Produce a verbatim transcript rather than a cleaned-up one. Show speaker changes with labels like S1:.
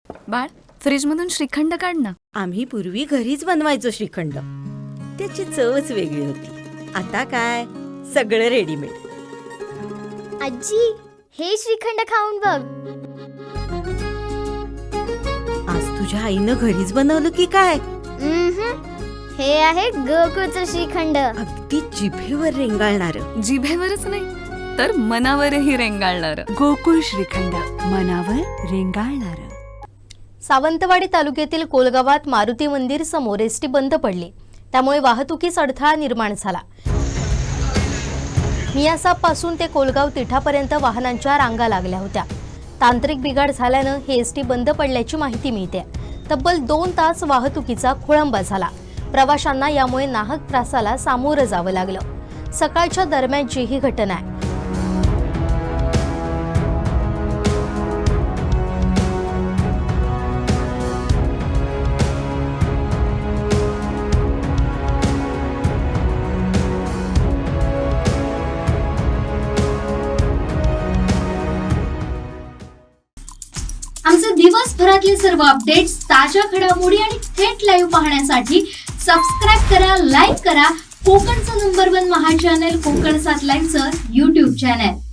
S1: बाळ, फ्रीजमधून श्रीखंड काढ ना.
S2: आम्ही पूर्वी घरीच बनवायचो श्रीखंड. त्याची चवच वेगळी होती. आता काय सगळं रेडीमेड.
S3: आजी, हे श्रीखंड खाऊन बघ.
S2: आज तुझ्या आईनं घरीच बनवलं की काय?
S3: उम्हम. हे आहे गोकुळचं श्रीखंड.
S2: अगदी जिभेवर रेंगाळणार.
S1: जिभेवरच नाही तर मनावरही रेंगाळणार.
S4: गोकुळ श्रीखंड, मनावर रेंगाळणार.
S5: सावंतवाडी तालुक्यातील कोलगावात मारुती मंदिर समोर एसटी बंद पडली. त्यामुळे वाहतुकीस अडथळा निर्माण झाला. मियासापासून ते कोलगाव तिठापर्यंत वाहनांच्या रांगा लागल्या होत्या. तांत्रिक बिघाड झाल्यानं हे एसटी बंद पडल्याची माहिती मिळते. तब्बल दोन तास वाहतुकीचा खोळंबा झाला. प्रवाशांना यामुळे नाहक त्रासाला सामोरं जावं लागलं. सकाळच्या दरम्यानची ही घटना आहे.
S6: आमचे दिवसभरातले सर्व अपडेट्स, ताज्या घडामोडी आणि थेट लाईव्ह पाहण्यासाठी सबस्क्राईब करा, लाईक करा कोकणचं नंबर वन महा चॅनल कोकण सात लाईव्हचं यूट्यूब चॅनल.